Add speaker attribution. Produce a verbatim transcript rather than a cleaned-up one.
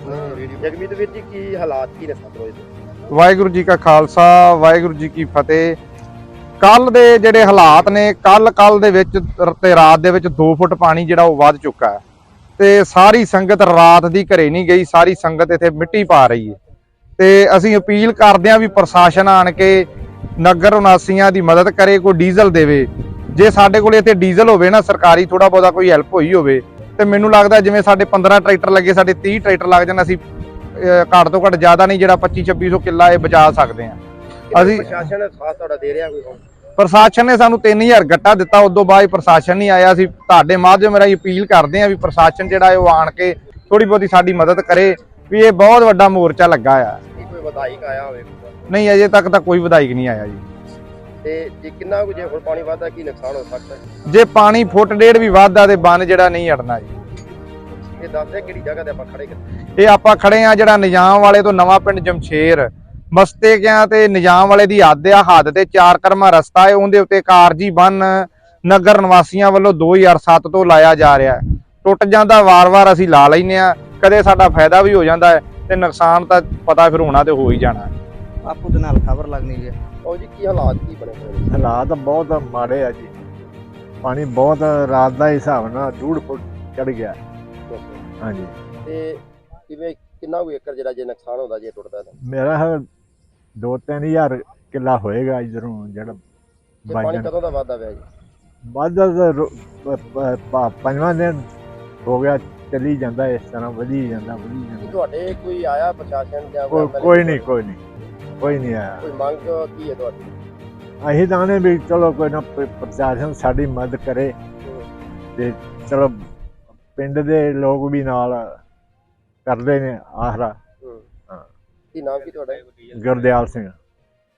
Speaker 1: ਜਗਮੀਤ ਵੀਰ ਜੀ ਕੀ ਹਾਲਾਤ ਕੀ ਨੇ ਸਤਲੁਜ ਦੇ?
Speaker 2: ਵਾਹਿਗੁਰੂ ਜੀ ਕਾ ਖਾਲਸਾ ਵਾਹਿਗੁਰੂ ਜੀ ਕੀ ਫਤਿਹ। ਕੱਲ ਦੇ ਜਿਹੜੇ ਹਾਲਾਤ ਨੇ, ਕੱਲ ਕੱਲ ਦੇ ਵਿੱਚ ਤੇ ਰਾਤ ਦੇ ਵਿੱਚ ਦੋ ਫੁੱਟ ਪਾਣੀ ਜਿਹੜਾ ਉਹ ਵੱਧ ਚੁੱਕਾ ਹੈ ਤੇ ਸਾਰੀ ਸੰਗਤ ਰਾਤ ਦੀ ਘਰੇ ਨਹੀਂ ਗਈ, ਸਾਰੀ ਸੰਗਤ ਇੱਥੇ ਮਿੱਟੀ ਪਾ ਰਹੀ ਹੈ। ਤੇ ਅਸੀਂ ਅਪੀਲ ਕਰਦੇ ਹਾਂ ਵੀ ਪ੍ਰਸ਼ਾਸਨ ਆਣ ਕੇ ਨਗਰ ਨਿਵਾਸੀਆਂ ਦੀ ਮਦਦ ਕਰੇ, ਕੋਈ ਡੀਜ਼ਲ ਦੇਵੇ। ਜੇ ਸਾਡੇ ਕੋਲ ਇੱਥੇ ਡੀਜ਼ਲ ਹੋਵੇ ਨਾ ਸਰਕਾਰੀ, ਥੋੜਾ ਬਹੁਤਾ ਕੋਈ ਹੈਲਪ ਹੋਈ ਹੋਵੇ ਤੇ ਮੈਨੂੰ ਲੱਗਦਾ ਜਿਵੇਂ ਸਾਡੇ ਪੰਦਰਾਂ ਟਰੈਕਟਰ ਲੱਗੇ, ਸਾਡੇ ਤੀਹ ਟਰੈਕਟਰ ਲੱਗ ਜਾਣ, ਅਸੀਂ ਘੱਟ ਤੋਂ ਘੱਟ ਜ਼ਿਆਦਾ ਨਹੀਂ ਜਿਹੜਾ ਪੱਚੀ ਛੱਬੀ ਸੌ ਕਿੱਲਾ ਇਹ ਬਚਾ ਸਕਦੇ ਹਾਂ। ਅਸੀਂ
Speaker 1: ਪ੍ਰਸ਼ਾਸਨ ਸਾਥ ਤੁਹਾਡਾ ਦੇ ਰਿਹਾ ਕੋਈ?
Speaker 2: ਪ੍ਰਸ਼ਾਸਨ ਨੇ ਸਾਨੂੰ ਤਿੰਨ ਹਜ਼ਾਰ ਗੱਟਾ ਦਿੱਤਾ, ਉਦੋਂ ਬਾਅਦ ਪ੍ਰਸ਼ਾਸਨ ਨਹੀਂ ਆਇਆ। ਅਸੀਂ ਤੁਹਾਡੇ ਮਾਧਿਅਮ ਰਾਹੀਂ ਅਪੀਲ ਕਰਦੇ ਹਾਂ ਵੀ ਪ੍ਰਸ਼ਾਸਨ ਜਿਹੜਾ ਹੈ ਉਹ ਆਣ ਕੇ ਥੋੜੀ ਬਹੁਤੀ ਸਾਡੀ ਮਦਦ ਕਰੇ ਵੀ ਇਹ ਬਹੁਤ ਵੱਡਾ ਮੋਰਚਾ ਲੱਗਾ ਆ।
Speaker 1: ਕੋਈ ਵਿਧਾਇਕ ਆਇਆ ਹੋਵੇ?
Speaker 2: ਨਹੀਂ, ਅਜੇ ਤੱਕ ਤਾਂ ਕੋਈ ਵਿਧਾਇਕ ਨਹੀਂ ਆਇਆ ਜੀ।
Speaker 1: ਤੇ ਜੇ ਕਿੰਨਾ ਕੁ ਜੇ ਹੁਣ ਪਾਣੀ ਵੱਧਦਾ ਕੀ ਨੁਕਸਾਨ ਹੋ ਸਕਦਾ ਹੈ?
Speaker 2: ਜੇ ਪਾਣੀ ਫੁੱਟ ਡੇਢ ਵੀ ਵੱਧਦਾ ਤੇ ਬੰਨ ਜਿਹੜਾ ਨਹੀਂ ਅੜਨਾ ਜੀ।
Speaker 1: ਇਹ ਦੱਸਦੇ ਕਿਹੜੀ ਜਗ੍ਹਾ ਤੇ ਆਪਾਂ ਖੜੇ ਕਿੱਥੇ?
Speaker 2: ਇਹ ਆਪਾਂ ਖੜੇ ਆ ਜਿਹੜਾ ਨਿਜ਼ਾਮ ਵਾਲੇ ਤੋਂ ਨਵਾਂ ਪਿੰਡ ਜਮਸ਼ੇਰ ਮਸਤੇ ਗਿਆ ਤੇ ਨਿਜ਼ਾਮ ਵਾਲੇ ਦੀ ਹੱਦ ਆ, ਹੱਦ ਤੇ ਚਾਰ ਕਰਮਾ ਰਸਤਾ ਹੈ, ਉਹਦੇ ਉੱਤੇ ਕਾਰਜੀ ਬੰਨ ਨਗਰ ਨਿਵਾਸੀਆਂ ਵੱਲੋਂ ਦੋ ਹਜ਼ਾਰ ਸੱਤ ਤੋਂ ਲਾਇਆ ਜਾ ਰਿਹਾ। ਟੁੱਟ ਜਾਂਦਾ ਵਾਰ-ਵਾਰ, ਅਸੀਂ ਲਾ ਲੈਨੇ ਆ, ਕਦੇ ਸਾਡਾ ਫਾਇਦਾ ਵੀ ਹੋ ਜਾਂਦਾ ਹੈ ਤੇ ਨੁਕਸਾਨ ਤਾਂ ਪਤਾ ਫਿਰ ਹੋਣਾ ਤੇ ਹੋ ਹੀ ਜਾਣਾ।
Speaker 3: ਆਪੂ ਦੇ ਨਾਲ ਖਬਰ ਲੱਗਣੀ ਹੈ।
Speaker 1: ਉਹ ਜੀ ਕੀ ਹਾਲਾਤ ਕੀ ਬਣੇ ਹੋਏ?
Speaker 4: ਹਾਲਾਤ ਬਹੁਤ ਮਾੜੇ ਆ ਜੀ। ਪਾਣੀ ਬਹੁਤ ਰਾਤ ਦਾ ਹਿਸਾਬ ਨਾਲ ਡੂਢ ਫੁੱਟ ਚੜ ਗਿਆ। ਹਾਂਜੀ,
Speaker 1: ਤੇ ਕਿਵੇਂ ਕਿੰਨਾ ਕੁ ਏਕੜ ਜਿਹੜਾ ਜੇ ਨੁਕਸਾਨ ਹੁੰਦਾ ਜੇ ਟੁੱਟਦਾ ਤਾਂ?
Speaker 4: ਮੇਰਾ ਹੈ ਦੋ ਤਿੰਨ ਹਜ਼ਾਰ ਕਿੱਲਾ ਹੋਏਗਾ ਇਧਰੋਂ ਜਿਹੜਾ
Speaker 1: ਤੇ ਪਾਣੀ ਕਦੋਂ ਦਾ ਵੱਧਦਾ ਪਿਆ ਜੀ?
Speaker 4: ਵੱਧ ਪੰਜਵਾਂ ਦਿਨ ਹੋ ਗਿਆ, ਚੱਲੀ ਜਾਂਦਾ ਇਸ ਤਰ੍ਹਾਂ, ਵਧੀ ਜਾਂਦਾ ਵਧੀ
Speaker 1: ਕੀ
Speaker 4: ਜਾਂਦਾ।
Speaker 1: ਤੁਹਾਡੇ ਕੋਈ ਆਇਆ ਪ੍ਰਸ਼ਾਸਨ ਜਾਂ
Speaker 4: ਕੋਈ ਕੋਈ ਨਹੀਂ ਕੋਈ ਨਹੀਂ ਕੋਈ ਨਹੀਂ ਆਇਆ।
Speaker 1: ਕੋਈ ਮੰਗ ਕੀ ਹੈ ਤੁਹਾਡੀ?
Speaker 4: ਅਸੀਂ ਤਾਂ ਨੇ ਵੀ ਚਲੋ ਕੋਈ ਨਾ ਪ੍ਰਸ਼ਾਸਨ ਸਾਡੀ ਮਦਦ ਕਰੇ ਤੇ ਚਲੋ ਪਿੰਡ ਦੇ ਲੋਕ ਵੀ ਨਾਲ ਕਰਦੇ ਨੇ ਆਸਰਾ।
Speaker 1: ਕੀ ਨਾਮ ਕੀ ਤੁਹਾਡਾ?
Speaker 4: ਗੁਰਦਿਆਲ ਸਿੰਘ।